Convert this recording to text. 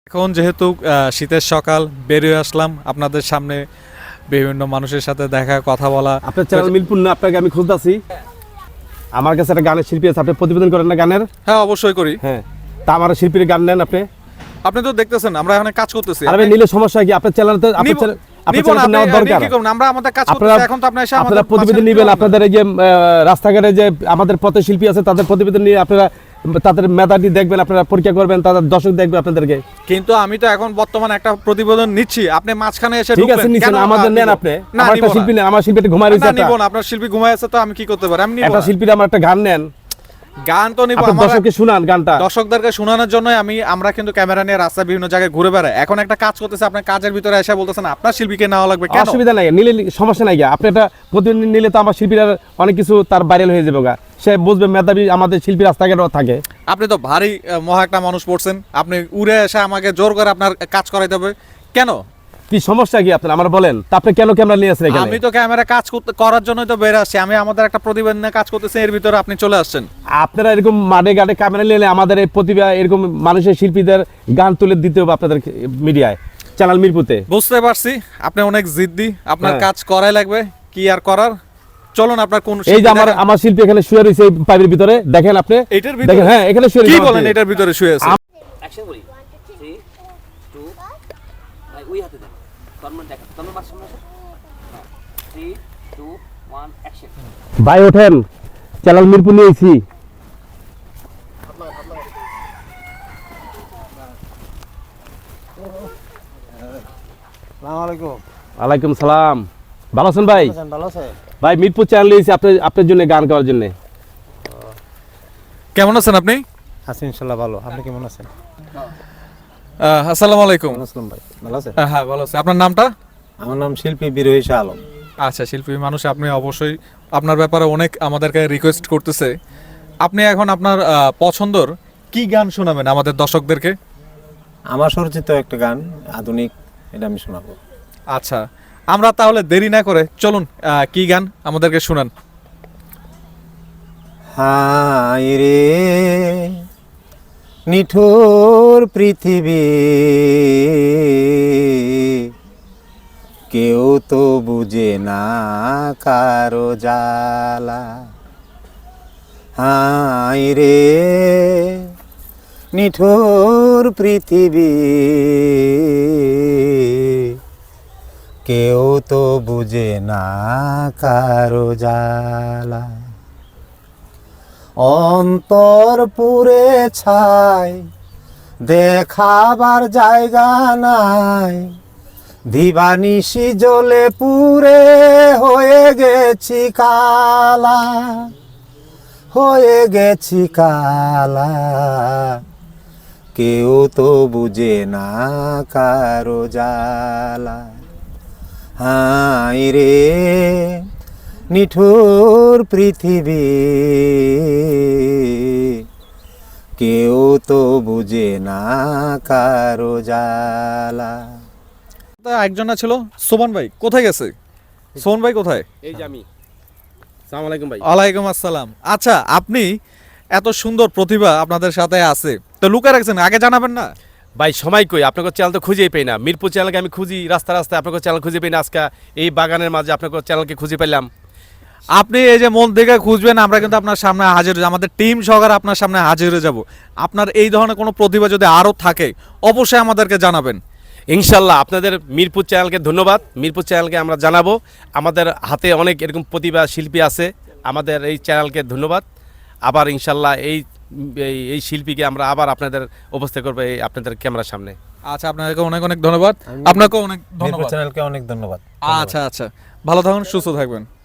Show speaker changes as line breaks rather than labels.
এখন যেহেতু শীতের সকাল বেরিয়ে আসলাম আপনাদের সামনে বিভিন্ন মানুষের সাথে দেখা কথা বলা।
আপনার চ্যানেল মিরপুর না, আপনাকে আমি খুঁজতেছি। আমার কাছে একটা গানের শিল্পী আছে, আপনি প্রতিবেদন করেন না গানের?
হ্যাঁ অবশ্যই করি।
হ্যাঁ, তা আমার শিল্পীর গান নেন আপনি।
আপনি তো দেখতেছেন আমরা এখানে কাজ করতেছি।
আরে নিলে সমস্যা কি? আপনার চ্যানেলতে নেওয়ার দরকার।
আমরা আমাদের কাজ করতেছি, এখন তো আপনি এসে আমাদের
প্রতিবেদন নেবেন। আপনাদের এই যে রাস্তাঘাটে যে আমাদের পথে শিল্পী আছে তাদের প্রতিবেদন নিয়ে আপনারা তাদের মেধাটি দেখবেন, আপনারা পরীক্ষা করবেন, তাদের দর্শক দেখবে আপনাদেরকে।
কিন্তু আমি তো এখন বর্তমানে একটা প্রতিবেদন নিচ্ছি, আপনি মাঝখানে এসে
ঠিক আছে নিছেন, আমাদের নেন আপনি। আমার একটা শিল্পী নেন, আমার শিল্পীটা ঘুমায় রয়েছে।
না নিব না, আপনার শিল্পী ঘুমায় আছে তো আমি কি করতে পারি? আমি নিব
একটা শিল্পীর আমার একটা গান নেন।
গান তো নিব,
আমার দর্শককে শুনান গানটা।
দর্শকদেরকে শোনানোর জন্য আমরা কিন্তু ক্যামেরা নিয়ে রাস্তায় বিভিন্ন জায়গায় ঘুরে বেড়াই। এখন একটা কাজ করতেছে, আপনার কাজের ভিতরে এসে বলতেছেন আপনার শিল্পীকে নেওয়া লাগবে। কেন?
অসুবিধা নাই, নিলে সমস্যা নাই। আপনি এটা প্রতিদিন নিলে তো আমার শিল্পীরা অনেক কিছু তার ভাইরাল হয়ে যাবে গা, সে বুঝবে মেধাবী আমাদের শিল্পী রাস্তাঘাটও থাকে।
আপনি তো ভারী মহা একটা মানুষ পড়ছেন, আপনি উড়ে এসে আমাকে জোর করে আপনার কাজ করাইতে হবে কেন?
কি সমস্যা কি আপনার আমার বলেন? তা আপনি কেন ক্যামেরা নিয়ে আসছেন এখানে?
আমি তো ক্যামেরা কাজ করার জন্যই তো বের আসছি। আমি আমাদের একটা প্রতিবেদন নিয়ে কাজ করতেছি, এর ভিতরে আপনি চলে আসছেন।
আপনারা এরকম মাঠে ঘাটে ক্যামেরা নিলে আমাদের এই প্রতিভা এরকম মানুষের শিল্পীদের গান তুলে দিতে হবে আপনাদের মিডিয়ায়, চ্যানেল মিরপুতে।
বুঝতে পারছি আপনি অনেক জিদ্দি, আপনার কাজ করাই লাগবে, কি আর করার। চলুন আপনার কোন
এই যে আমার শিল্পী এখানে শুয়ে রয়েছে এই পাইপের ভিতরে, দেখেন আপনি
এটার ভিতরে।
দেখেন, হ্যাঁ এখানে শুয়ে রয়েছে।
কি বলেন এটার ভিতরে শুয়ে আছে?
অ্যাকশন করি 3 2 ভাই ওই হাতে দেন তন্ময় দেখা তন্ময় পাঁচ সামনে আসো 3 2 1 অ্যাকশন
ভাই ওঠেন, চ্যানেল মিরপুর নিয়েছি। ওয়ালাইকুম সালাম। ভালো আছেন ভাই? ভাই মিরপুর চ্যানেল নিয়েছি আপনার জন্য গান গাওয়ার জন্য।
কেমন আছেন আপনি?
আছি ইনশাআল্লাহ ভালো। আপনি কেমন আছেন?
আসসালামু আলাইকুম।
আসসালাম ভাই, ভালো আছেন?
হ্যাঁ ভালো আছি। আপনার নামটা?
আমার নাম শিল্পী বিরোহী শাহ আলম।
আচ্ছা, শিল্পী মানুষ আপনি, অবশ্যই আপনার ব্যাপারে অনেক আমাদেরকে রিকোয়েস্ট করতেছে। আপনি এখন আপনার পছন্দর কি গান শোনাবেন আমাদের দর্শকদেরকে?
আমার সরচিত একটা গান আধুনিক, এটা আমি শোনাবো।
আচ্ছা, আমরা তাহলে দেরি না করে চলুন, কি গান আমাদেরকে শুনান।
হায় রে নিঠুর পৃথিবী, কেউ তো বুঝে না কারো জ্বালা। হায় রে নিঠুর পৃথিবী, কেউ তো বুঝে না কারো জ্বালা। অন্তর পুরে ছাই, দেখাবার জায়গা নাই, দিবানিশি জ্বলে পুরে হয়ে গেছি কালা, হয়ে গেছি কালা। কেউ তো বুঝে না কারো জ্বালা। হায় রে নিঠুর পৃথিবী, কেউ তো বুঝে না কারো জ্বালা।
একজন ছিল সোমান ভাই, কোথায় গেছে? সোমান ভাই কোথায়?
এই যে আমি। আসসালামু আলাইকুম ভাই।
ওয়ালাইকুম আসসালাম। আচ্ছা, আপনি এত সুন্দর প্রতিভা আপনাদের সাথে আছে, তো লুকায় রাখছেন, আগে জানাবেন না?
ভাই সময় কই, আপনাকে চ্যানেল তো খুঁজেই পাই না। মিরপুর চ্যানেলকে আমি খুঁজি রাস্তায় রাস্তায়, আপনাকে চ্যানেল খুঁজে পাই না। আজকে এই বাগানের মাঝে আপনাকে চ্যানেলকে খুঁজে পেলাম।
আপনি এই যে মন থেকে খুঁজবেন, আমরা কিন্তু আপনার সামনে হাজির হয়ে, আমাদের টিম সহকারে আপনার সামনে হাজির হয়ে যাব। আপনার এই ধরনের কোনো প্রতিভা যদি আরও থাকে অবশ্যই আমাদেরকে জানাবেন।
ইনশাল্লাহ আপনাদের মিরপুর চ্যানেলকে ধন্যবাদ। মিরপুর চ্যানেলকে আমরা জানাবো, আমাদের হাতে অনেক এরকম প্রতিভা শিল্পী আছে। আমাদের এই চ্যানেলকে ধন্যবাদ। আবার ইনশাল্লাহ এই শিল্পীকে আমরা আবার আপনাদের উপস্থিত করবো এই আপনাদের ক্যামেরার সামনে।
আচ্ছা, আপনাদেরকে অনেক অনেক ধন্যবাদ। আপনাকেও অনেক ধন্যবাদ।
চ্যানেলকে অনেক ধন্যবাদ।
আচ্ছা, ভালো থাকুন, সুস্থ থাকবেন।